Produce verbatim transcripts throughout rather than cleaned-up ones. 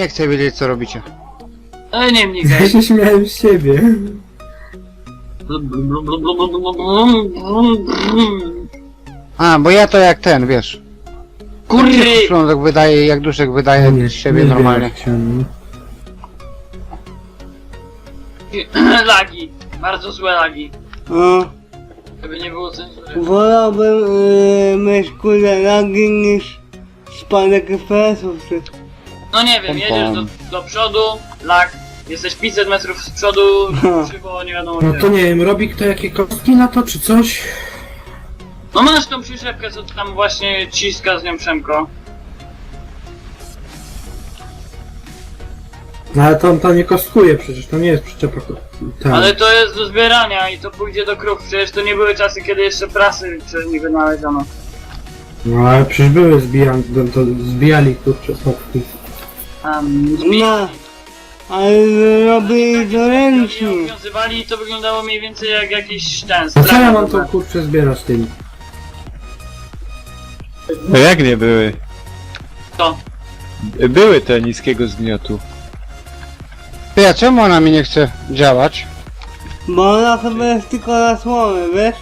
nie chcę wiedzieć, co robicie. Ale nie Ja wnikaj. się śmiałem z siebie. A, bo ja to jak ten, wiesz. Kurry! Szlądek wydaje, jak duszek wydaje z siebie nie normalnie. wiem, jak się- Lagi. Bardzo złe lagi. O, Żeby nie było cenzury. wolałbym yy, mieć kurde lagi niż spadek F P S-ów. czy- No nie wiem, jedziesz do, do przodu, lag. Jesteś pięćset metrów z przodu, krzywo, nie wiadomo No gdzie. to nie wiem, robi kto jakie kostki na to, czy coś? No masz tą przyczepkę, co tam właśnie ciska z nią Przemko. No ale to, to nie kostkuje przecież, to nie jest przyczepa ko- tam. Ale to jest do zbierania i to pójdzie do krów. Przecież to nie były czasy, kiedy jeszcze prasy czy nie wynaleziono. No ale przecież były zbijani, to, to zbijali kurczę stopki. Um, zbi- No, ale robili to Jak ręcznie. je obowiązywali i to wyglądało mniej więcej jak jakiś ten A co ja strach. mam to kurczę zbierać tym? No jak nie były? To. Były te niskiego zgniotu. Ty, a czemu ona mi nie chce działać? Bo ona chyba jest tylko na słomę, wiesz?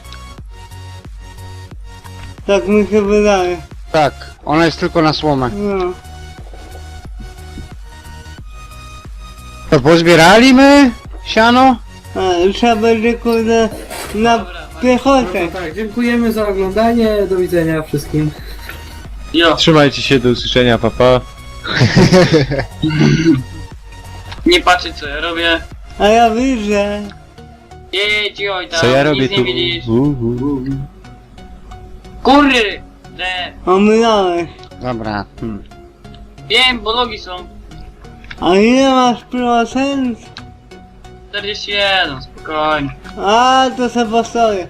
Tak mi się wydaje. Tak, ona jest tylko na słomę. No. To pozbierali my siano? A, trzeba będzie kurde na Dobra, No piechotę. to tak, dziękujemy za oglądanie, do widzenia wszystkim. Jo, Trzymajcie się, do usłyszenia, papa. nie patrzcie co ja robię. A ja widzę. Jedź oj tam, Co ja robię nic tu? nie widzisz. U, u, u. Kurry! Te. Omylałeś. Dobra. Hmm. Wiem, bo logi są. A ile masz procent? czterdzieści jeden, spokojnie. A, to se postoję.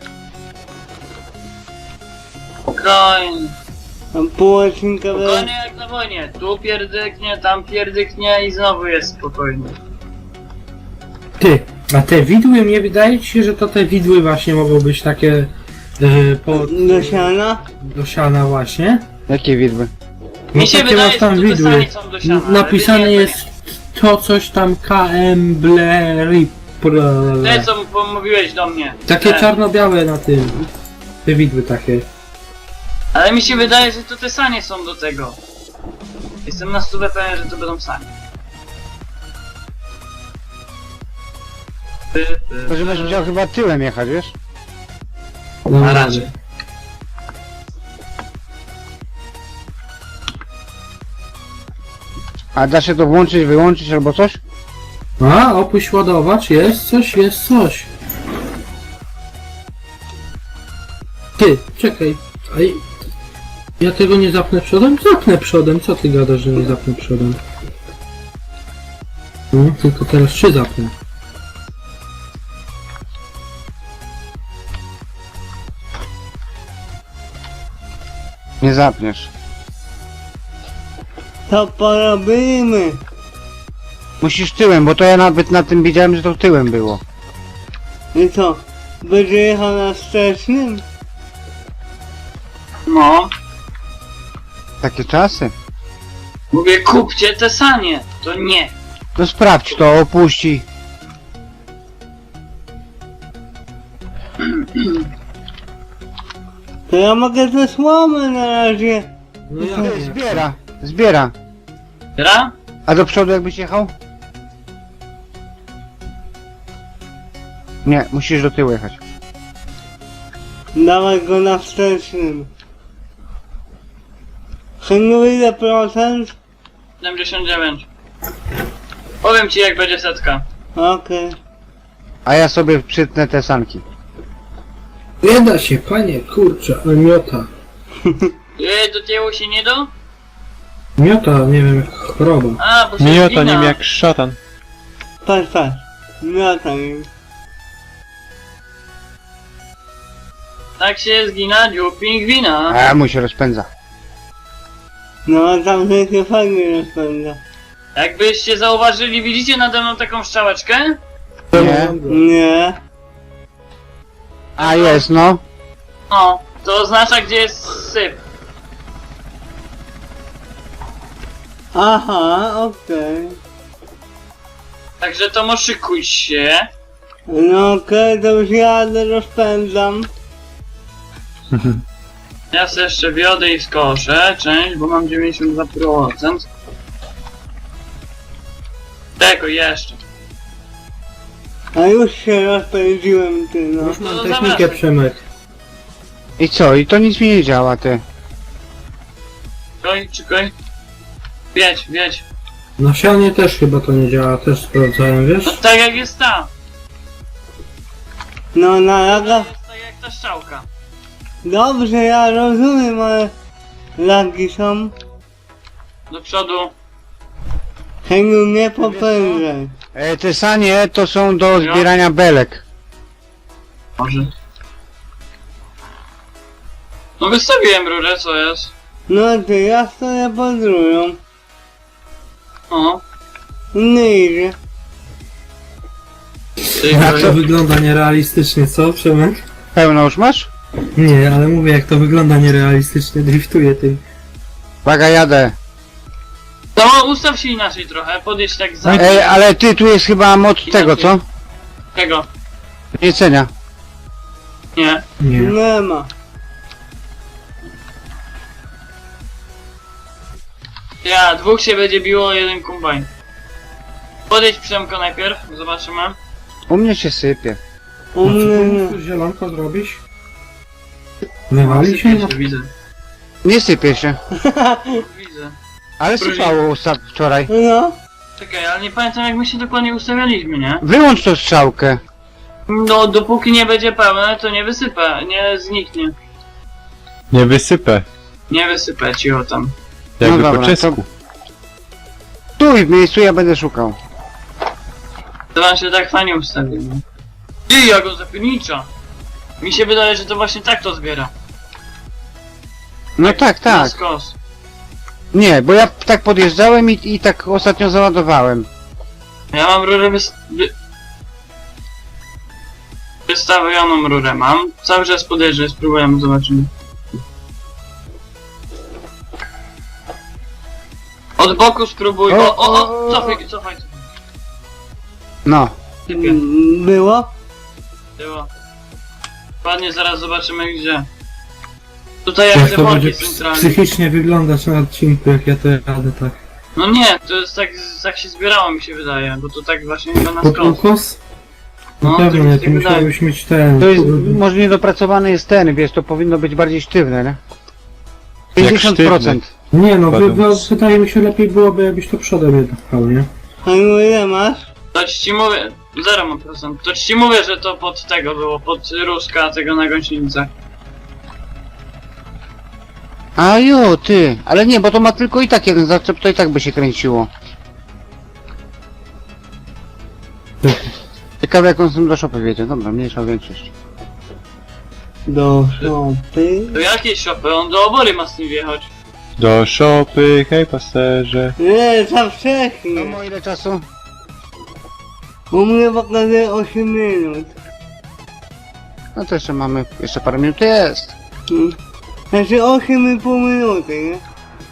Spokojnie. Tam pół odcinka będzie. Spokojnie jak na wojnie. Tu pierdyknie, tam pierdyknie i znowu jest spokojnie. Ty, a te widły, mnie wydaje ci się, że to te widły właśnie mogą być takie yy, po, Do siana? do siana właśnie. Jakie widły? Mi się takie wydaje, masz że tam tu te widły. sanie są do siana, N- ale Napisane nie, to jest to coś tam K M Blerip. nie. Te co mu- mówiłeś do mnie. Takie Te. czarno-białe na tym. Te widły takie. Ale mi się wydaje, że to te sanie są do tego. Jestem na stówę pewien, że to będą sanie. Ty, ty, To, że będziesz musiał chyba tyłem jechać, wiesz? No, A raczej. A da się to włączyć, wyłączyć albo coś? A, opuść ładowacz, jest coś, jest coś. Ty, czekaj. Aj, ja tego nie zapnę przodem? Zapnę przodem, co ty gadasz, że nie zapnę przodem? No, tylko teraz trzy zapnę. Nie zapniesz. To porobimy. Musisz tyłem, bo to ja nawet na tym widziałem, że to tyłem było. I co? Będzie jechał na wstecznym? No. Takie czasy. Mówię, kupcie te sanie. To nie. To sprawdź to, opuści. To ja mogę te słomy na razie. No ja Ty, zbiera, zbiera. Gra? A do przodu jakbyś jechał? Nie, musisz do tyłu jechać. Dawaj go na wstecznym. Synu, ile procent? siedemdziesiąt dziewięć. Powiem ci jak będzie setka. Okej. A ja sobie przytnę te sanki. Nie da się, panie, kurczę, ale miota. Yy, do tyłu się nie do? Miota, nie wiem, jak choroba. A, bo się Miota zgina. nim jak szatan. Patrz, patrz. Miota mi. Tak się zgina dziób pingwina. A mu się rozpędza. No, a tam się fajnie rozpędza. Jakbyście zauważyli, widzicie nade mną taką strzałeczkę? Nie? Nie. A jest, no. No, to oznacza gdzie jest syp. Aha, okej. Także to moszykuj się. No okej, to już jadę, rozpędzam. Ja sobie jeszcze wiodę i skoszę część, bo mam dziewięćdziesiąt dwa procent. Tego jeszcze. A już się rozpędziłem, ty no. Już mam No, technikę, zawracaj. Przemek. I co? I to nic mi nie działa, ty. Czekaj, czekaj. Wiedź, wiedź. Na sianie też chyba to nie działa, też sprawdzałem, wiesz? No, tak jak jest ta. No na To laga. jest tak jak ta strzałka. Dobrze, ja rozumiem, ale lagi są. Do przodu. Tego nie popędzaj. E, te sanie to są do zbierania belek. Może. No wystawiłem rurę, co jest? No ty, ja stoję pod rurą. O. Nie idzie. Ty, Jak to wygląda nierealistycznie, co, Przemek? Pełno już masz? Nie, ale mówię, jak to wygląda nierealistycznie, driftuję tym. Uwaga, jadę. No ustaw się inaczej trochę, podjedź tak za... Ej, ale ty, tu jest chyba mod tego, co? Tego. Jedzenia. Nie. Nie. Nie ma. Ja, dwóch się będzie biło, jeden kombajn. Podjedź Przemko najpierw, zobaczymy. U mnie się sypie. U mnie nie. No, co zielonko zrobisz? Wywali się? Sypie widzę. Nie sypie się. Widzę. Ale Proszę. sypało usta- wczoraj. No. Czekaj, ale nie pamiętam jak my się dokładnie ustawialiśmy, nie? Wyłącz tą strzałkę. No, dopóki nie będzie pełne, to nie wysypę, nie zniknie. Nie wysypę. Nie wysypę ci o tam. Jakby No po dobra, czesku. Tu w miejscu ja będę szukał. To wam się tak fajnie ustawił. nie? Ty, ja go zapiernicza. Mi się wydaje, że to właśnie tak to zbiera. No tak, Na tak. skos. Nie, bo ja tak podjeżdżałem i, i tak ostatnio załadowałem. Ja mam rurę wys... Wy... Wystawioną rurę mam. Cały czas podjeżdżę, spróbujemy, zobaczymy. Od boku spróbuj. O, o, o, cofaj, cofaj. No. Typie, Mm, Było? było. Ładnie, zaraz zobaczymy gdzie. Tutaj jak Jak te to worki będzie ps- centralnie. psychicznie wyglądać na odcinku, jak ja to jadę tak. No nie, to jest tak, tak się zbierało mi się wydaje, bo to tak właśnie chyba na Pod skos. ukos? No, Na to pewno mi nie, się to wydaje. musiałbyś mieć ten... To jest, może niedopracowany jest ten, wiesz, to powinno być bardziej sztywne, nie? pięćdziesiąt procent. Nie no, wy, Padł. wy, wydaje mi się lepiej byłoby, jakbyś to przodem jednak pchał, nie? A ile masz? To ci mówię, zero ma procent. To ci mówię, że to pod tego było, pod Ruska tego na gąsienicach. A jo, ty. Ale nie, bo to ma tylko i tak jeden zaczep, to i tak by się kręciło. Ciekawe jak on z tym do szopy wiedzie. Dobra, mniejsza większość. Do szopy. Do jakiej szopy? On do obory ma z tym wjechać. Do szopy, hej pasterze. Nie, za No wcześnie. mo ile czasu? U mnie pokazuje osiem minut. No to jeszcze mamy, jeszcze parę minut jest. Mm. Znaczy osiem i pół minuty, nie?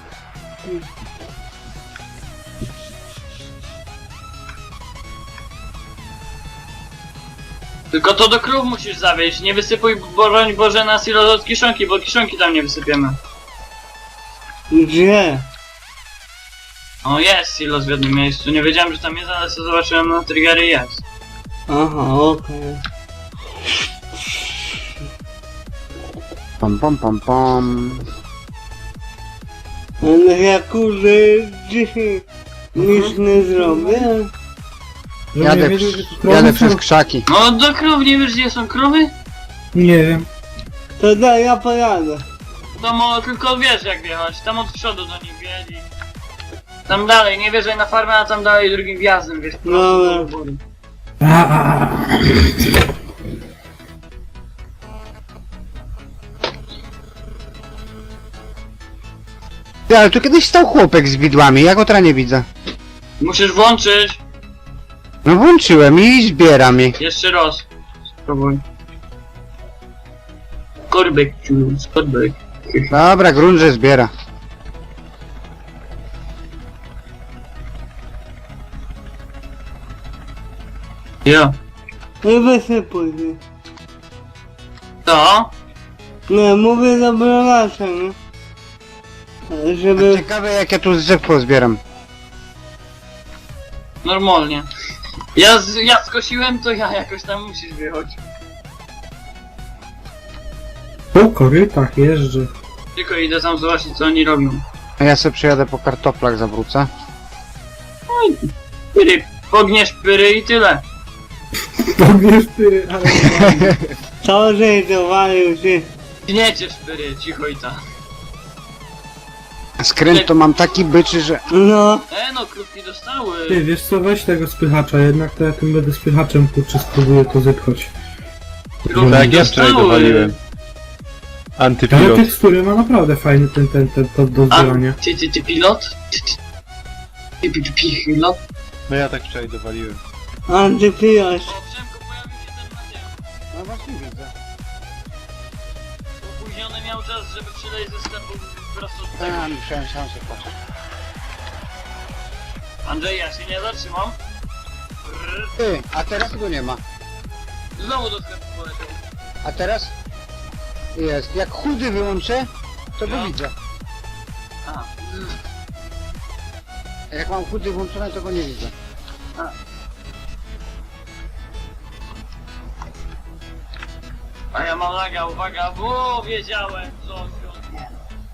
Tylko to do krów musisz zawieźć. Nie wysypuj, broń Boże, na silo od kiszonki, bo kiszonki tam nie wysypiemy. Gdzie? O, jest silos w jednym miejscu. Nie wiedziałem, że tam jest, ale co zobaczyłem na triggery jest. Aha, okej. Pom pom pom pom. Ale ja kurde dzisiaj nic nie zrobię. Że Jadę, nie wiedział, że to krowy jadę są? przez krzaki. No do krów, nie wiesz gdzie są krowy? Nie wiem. To daj, ja pojadę. To mo, tylko wiesz jak wjechać. Tam od przodu do nich wjedź i... Tam dalej, nie wjeżdżaj na farmę, a tam dalej drugim wjazdem, wiesz, prosto Dobra. do obory. A, a, a. Ty, ale tu kiedyś stał chłopek z widłami, ja go teraz nie widzę. Musisz włączyć. No włączyłem i zbieram ich. Jeszcze raz. Spróbuj. Korbek, ciu, skorbek. Dobra, grunt, że zbiera. Jo. Nie wysypuj się. To? Nie, mówię do browacza, nie? Żeby... Ciekawe jak ja tu z drzew pozbieram. Normalnie. Ja, z, ja skosiłem, to ja jakoś tam musisz wyjechać. Po korytach jeżdżę. Tylko idę tam zobaczyć, co oni robią. A ja sobie przyjadę po kartoplach, zawrócę. Pyry, pogniesz pyry i tyle. Pogniesz ty, ale... Co, że dowalił się? Gniecie szpyry, cicho i ta. Skręt to mam taki byczy, że... No, E no, krówki dostały. Ty, wiesz co, weź tego spychacza, jednak to ja tym będę spychaczem, kurczę, spróbuję to zepchać. Krówki Tak, ja wczoraj dostały. dowaliłem. Ale Antypilot. tekstury ma naprawdę fajny ten, ten, ten, to do A, zbierania. ty, ty, ty pilot? Ty, ty, ty, ty, ty pilot? No ja tak wczoraj dowaliłem. antypilosz. O, Przemku, pojawił się ten materiał. No właśnie widzę. Opóźniony miał czas, żeby przyleć ze sklepu prosto do tego. A, musiałem sam sobie patrzeć. Andrzej, ja się nie zatrzymam. Brrr. Ty, a teraz go nie ma. Znowu do sklepu poleciał. A teraz? Jest. Jak chudy wyłączę, to go No. widzę. A, A jak mam chudy włączone, to go nie widzę. a ja mam laga, uwaga, bo wiedziałem, co się nie.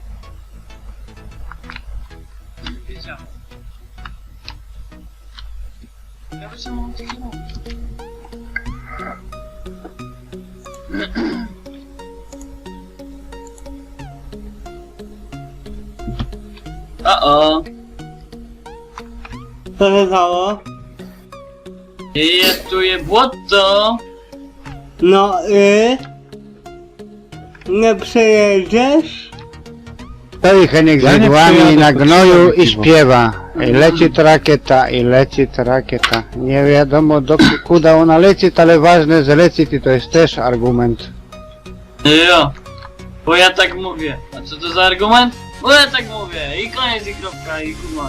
Wiedziałem. Ja wytrzymam tych O-o. Co się stało? Jest tu je błoto. No i... Nie przejedziesz? Stoi Heniek Ja z nie igłami przyjadę, na to gnoju przyjadę i piwo. śpiewa. I leci to rakieta, i leci to rakieta. Nie wiadomo do kuda ona leci, ale ważne, że leci i to jest też argument. Jo. Bo ja tak mówię. A co to za argument? Bo ja tak mówię. I koniec i kropka i kurwa.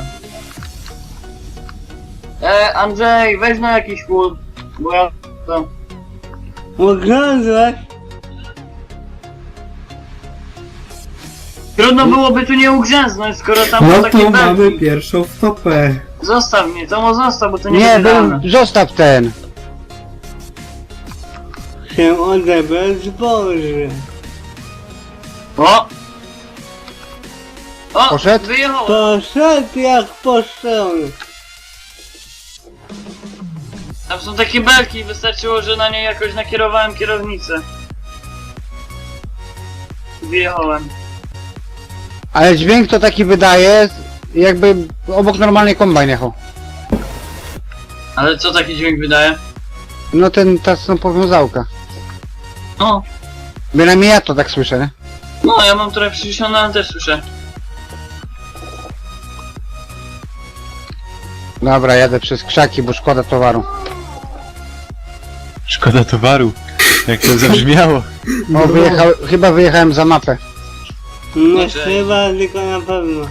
E, Andrzej, weź na jakiś chłód. Bo ja to... Ugrzązłeś? Trudno byłoby tu nie ugrzęznąć, skoro tam No są takie to mamy belki. pierwszą stopę. Zostaw mnie, to mu zostaw, bo to nie Nie, jest był, idealne. zostaw ten. Się odebrać zboże. O! O! Poszedł? Wyjechał! Poszedł jak poszczony. Tam są takie belki, wystarczyło, że na nie jakoś nakierowałem kierownicę. Wyjechałem. Ale dźwięk to taki wydaje, jakby obok normalnej kombajn jechał. Ale co taki dźwięk wydaje? No ten, ta są powiązałka. No, Bynajmniej ja to tak słyszę, nie? no ja mam trochę przyciszone, ale też słyszę. Dobra, jadę przez krzaki, bo szkoda towaru. Szkoda towaru. Jak to zabrzmiało. O, wyjechał, chyba wyjechałem za mapę. Nie Cześć. chyba, tylko na pewno.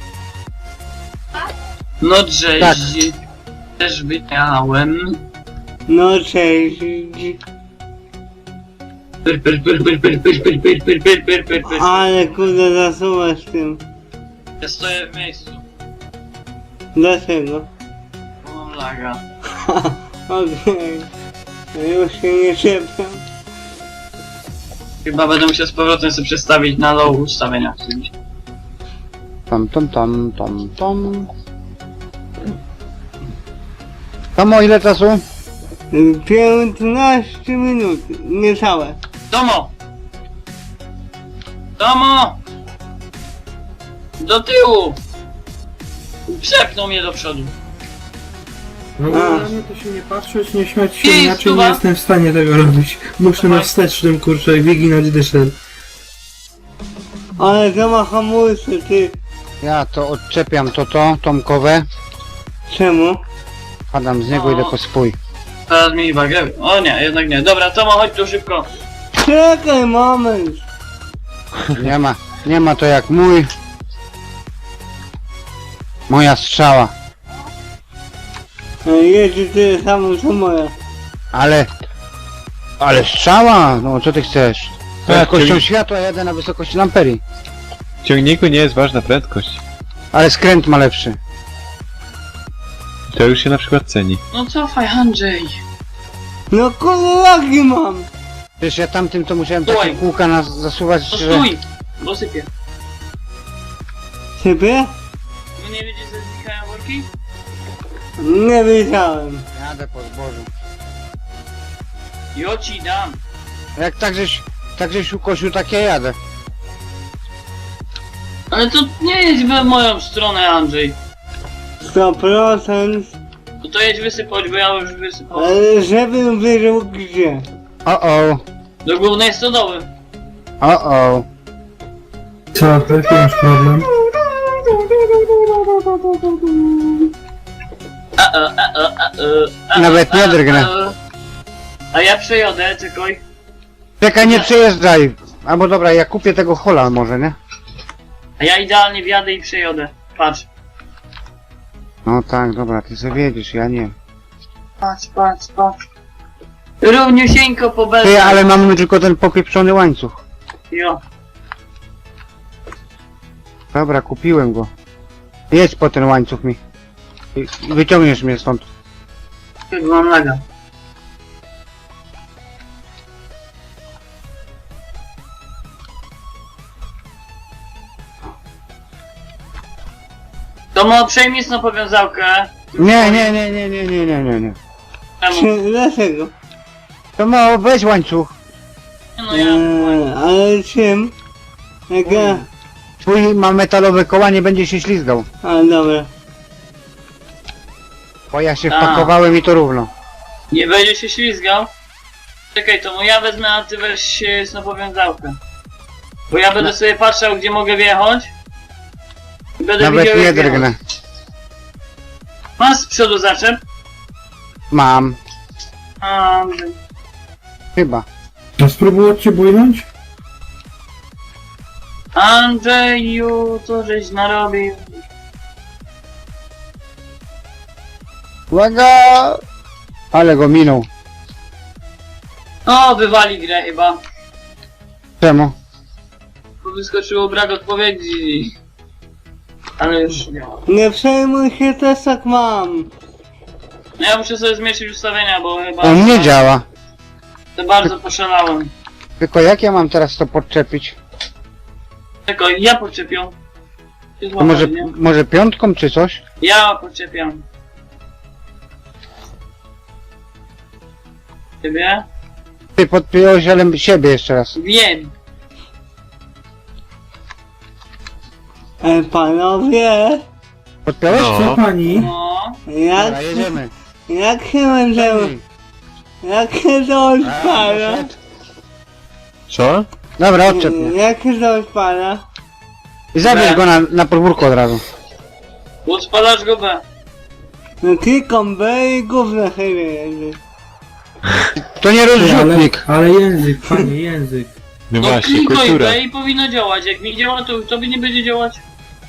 No cześć. Tak. Też wyjechałem. No cześć. Pyr, pyr, pyr, pyr, pyr, pyr, pyr, pyr, pyr, pyr, pyr, pyr, pyr. Ale kurde zasuwasz tym. Ja stoję w miejscu. Dlaczego? Bo mam laga. Okej. Już się nie czepiam. Chyba będę musiał z powrotem sobie przestawić na low ustawienia. Tom, tom, tom, tom, tom. Tomo, ile czasu? piętnaście minut. Niecałe. Tomo! Tomo! Do tyłu! Przepnął mnie do przodu. No A. ale mnie to się nie patrzeć, nie śmiać się, Ej, inaczej stuwa. nie jestem w stanie tego robić. Muszę na Dawaj. wstecznym, kurczę, wyginać dyszel. Ale to ma hamulce, ty. Ja to odczepiam to to, tomkowe. Czemu? Padam z niego, O. idę po swój. Teraz mi wagę. O nie, jednak nie. Dobra, Tomo, chodź tu szybko. Czekaj moment. Nie ma, nie ma to jak mój. Moja strzała. Jedzie tyle samo co moja. Ale... Ale strzała! No co ty chcesz? Tak, Prędkością czyli- światła jadę na wysokości lamperii. W ciągniku nie jest ważna prędkość. Ale skręt ma lepszy. To już się na przykład ceni. No cofaj, Andrzej. No kurde, lagi mam. Przecież ja tamtym to musiałem Stój. takie kółka nas zasuwać, No że... stój, bo sypie. Ciebie? No nie widzisz, że znikają worki? Nie wiedziałem. Jadę po zbożu. Jo ci dam. Jak tak żeś... Tak żeś ukosił, tak ja jadę. Ale to nie jedź w moją stronę, Andrzej. sto procent. No to jedź wysypać, bo ja już wysypałem. Ale żebym wiedział gdzie. O o, Do głównej stodoły. o o. Co, jaki masz problem? A, a, a, a, a, a, a, Nawet nie a, drgnę. a. A ja przejadę, czekaj. Czekaj, nie przejeżdżaj. Albo dobra, ja kupię tego hola może, nie? A ja idealnie wjadę i przejadę. Patrz. No tak, dobra, ty sobie wiedziesz, ja nie. Patrz, patrz, patrz. Równiusieńko po belce. Ty, ale mamy tylko ten popieprzony łańcuch. Jo. Dobra, kupiłem go. Jedź po ten łańcuch mi. I i wyciągniesz mnie stąd. Chyba mam laga. To ma przejmij na powiązałkę. Nie, nie, nie, nie, nie, nie, nie, nie, nie. Czemu? Czy, dlaczego? To mało, weź łańcuch. No ja. Eee, ale czym? Jak ja... Twój ma metalowe koła, nie będzie się ślizgał. A dobra. Bo ja się A. wpakowałem i to równo. Nie będzie się ślizgał? Czekaj, to mu ja wezmę, a ty weź na powiązałkę. Bo ja będę sobie patrzał, gdzie mogę wjechać. I będę Nawet widział, nie jak wjechać. drgnę. Masz z przodu zaczep? Mam. A, Chyba. A spróbować cię bójnąć? Andrzeju, co żeś narobił? Uwaga! Ale go minął. O, wywali grę chyba. Czemu? Bo wyskoczyło brak odpowiedzi. Ale już nie ma. Nie przejmuj się, też tak mam. No ja muszę sobie zmniejszyć ustawienia, bo chyba... On nie działa. To bardzo poszalałem. Tylko jak ja mam teraz to podczepić? Czekaj, ja podczepię. Się To może, złapali, nie? może piątką czy coś? Ja podczepiam. Ciebie? Ty podpiąłeś, ale siebie jeszcze raz. Wiem. E, panowie, Podpiąłeś? Co pani? No. jak, Dobra, jedziemy. jak się będziemy, jak się to A, odpala? doszedł. Co? Dobra, odczep mnie. Jak się to odpala? I zabierz B. go na, na podwórko od razu. Odpalasz go B. No klikam B i gówno chyba jedzie. To nie Ty, ale, rozrzutnik. ale język, panie, język. No No właśnie, klikaj kultura. B i powinno działać. Jak mi działa, to tobie nie będzie działać.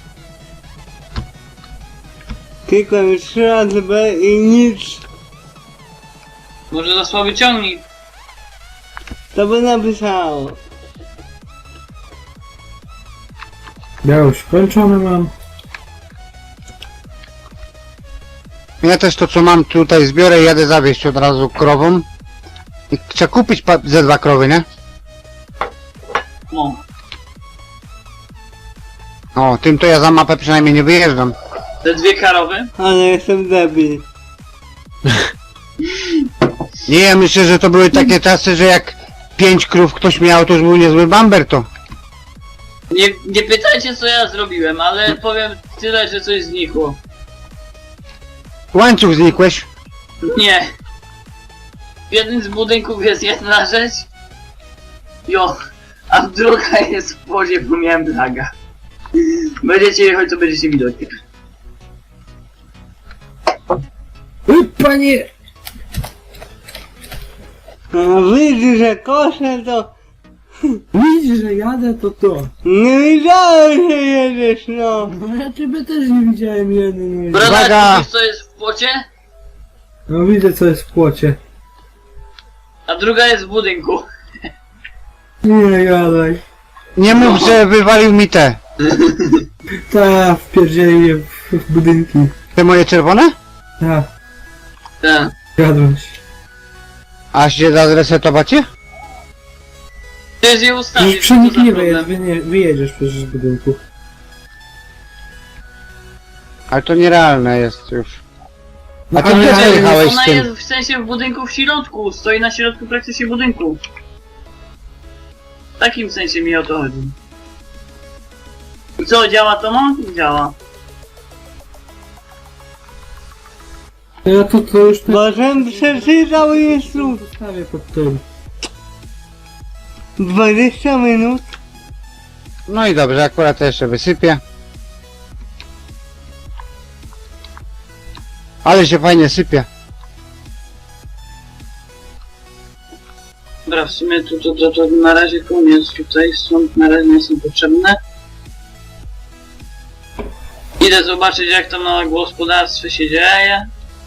Klikam trzy razy B i nic. Może za słaby ciągnik. To by napisało. Ja już skończony mam. Ja też to co mam tutaj zbiorę i jadę zawieźć od razu krową. I chcę kupić pa- ze dwa krowy, nie? No. O, tym to ja za mapę przynajmniej nie wyjeżdżam. Te dwie karowy. Ale jestem debil. Nie, ja myślę, że to były takie czasy, że jak pięć krów ktoś miał, to już był niezły bamber to. Nie, nie pytajcie co ja zrobiłem, ale powiem tyle, że coś znikło. Łańcuch znikłeś. Nie. W jednym z budynków jest jedna rzecz. Jo. A druga jest w wodzie, bo miałem laga. Będziecie jechać, to będziecie widać. Uj, panie! No widzisz, że koszę to... Widzisz, że jadę, to to. Nie widziałem, że jedziesz, no. No ja ciebie też nie widziałem jeden. Brada, Uwaga! widzisz co jest w płocie? No widzę, co jest w płocie. A druga jest w budynku. Nie gadaj. Nie mów, że wywalił mi te. Ta, wpierdzieli w, w budynki. Te moje czerwone? Ta, Tak. jadłeś. A się da zresetować je? Przecież je ustawisz. Już przy nich co za nie problem? wyjedziesz, wy nie, wyjedziesz przecież z budynku. Ale to nierealne jest już. No, A ty ale- gdzie ale- zajechałeś z Ona tym? jest w sensie w budynku w środku. Stoi na środku praktycznie budynku. W takim sensie mi o to chodzi. I co, działa to mo? Działa. Ja to, to już ten... Bożem przeczytał instrukcję. Zostawię pod tym. dwadzieścia minut. No i dobrze, akurat to jeszcze wysypię. Ale się fajnie sypie. Dobra, w sumie to, to, to, to na razie koniec tutaj, stąd na razie nie są potrzebne. Idę zobaczyć jak to na gospodarstwie się dzieje.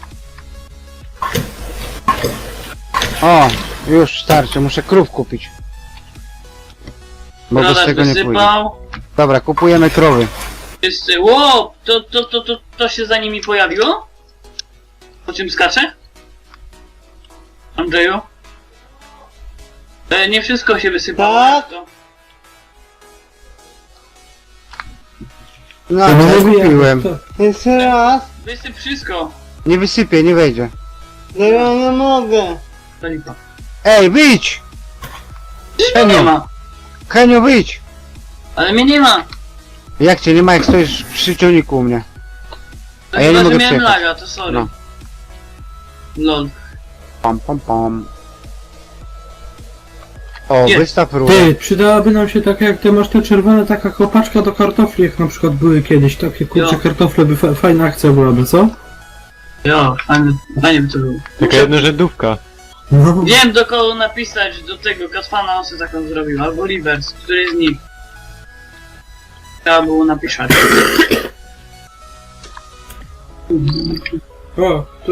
O, już starczy, muszę krów kupić. Bo bez Broda tego nie pójdzie. wysypał. Dobra, kupujemy krowy. Wszyscy, ło, to, to, to, to, to się za nimi pojawiło? Po czym skacze? Andrzeju? E, nie wszystko się wysypało. Tak. jak to? No, To ja mówię, kupiłem. to- Jeszcze raz. Wysyp wszystko. Nie wysypię, nie wejdzie. No ja nie mogę. To lipa. Ej, wyjdź! Przecież mnie nie ma. Henio, wyjdź! Ale mnie nie ma. Jak cię nie ma, jak stoisz przy ciągniku u mnie? To A ja nie chyba, że mogę miałem przyjechać. laga, to sorry. No. Lol. Pam, pam, pam. O, Nie. wystaw rurę. Ty, przydałaby nam się taka jak ty masz te czerwone, taka kopaczka do kartofli, jak na przykład były kiedyś, takie kurcze Jo. kartofle, by fa fajna akcja byłaby, co? Jo, fajnie, fajnie by to było. Taka jednorzędówka. No. Wiem do kogo napisać, do tego Katfana on sobie taką zrobił, albo Rivers, który z nich. Trzeba było napisać. O, to...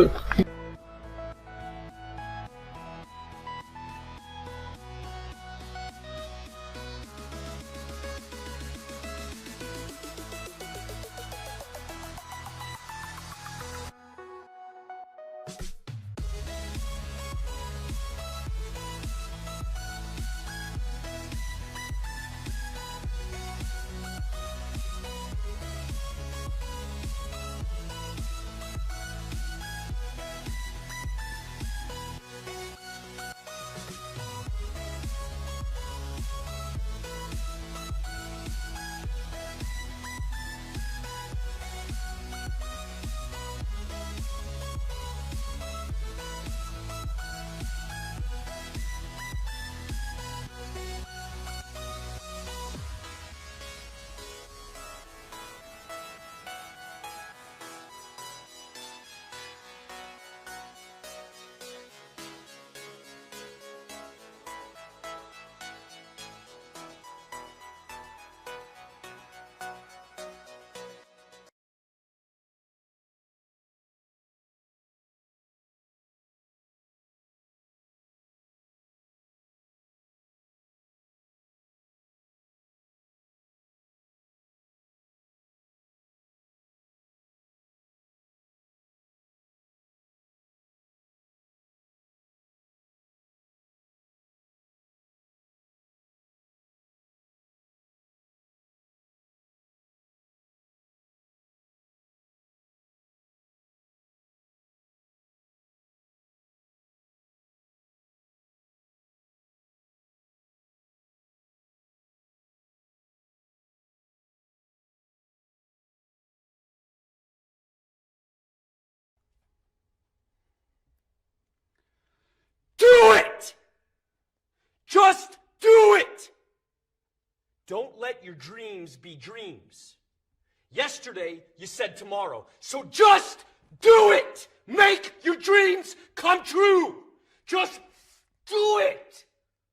Do it! Just do it! Don't let your dreams be dreams. Yesterday, you said tomorrow. So just do it! Make your dreams come true! Just do it!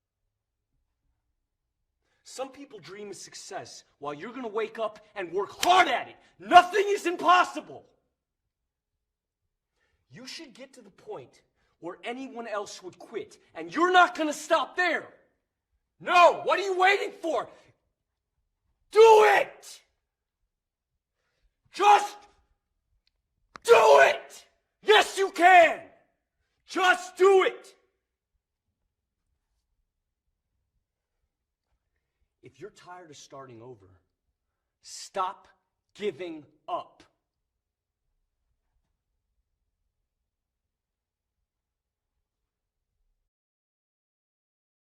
Some people dream of success while you're gonna wake up and work hard at it. Nothing is impossible. You should get to the point or anyone else would quit. And you're not gonna stop there. No, what are you waiting for? Do it! Just do it! Yes, you can! Just do it! If you're tired of starting over, stop giving up.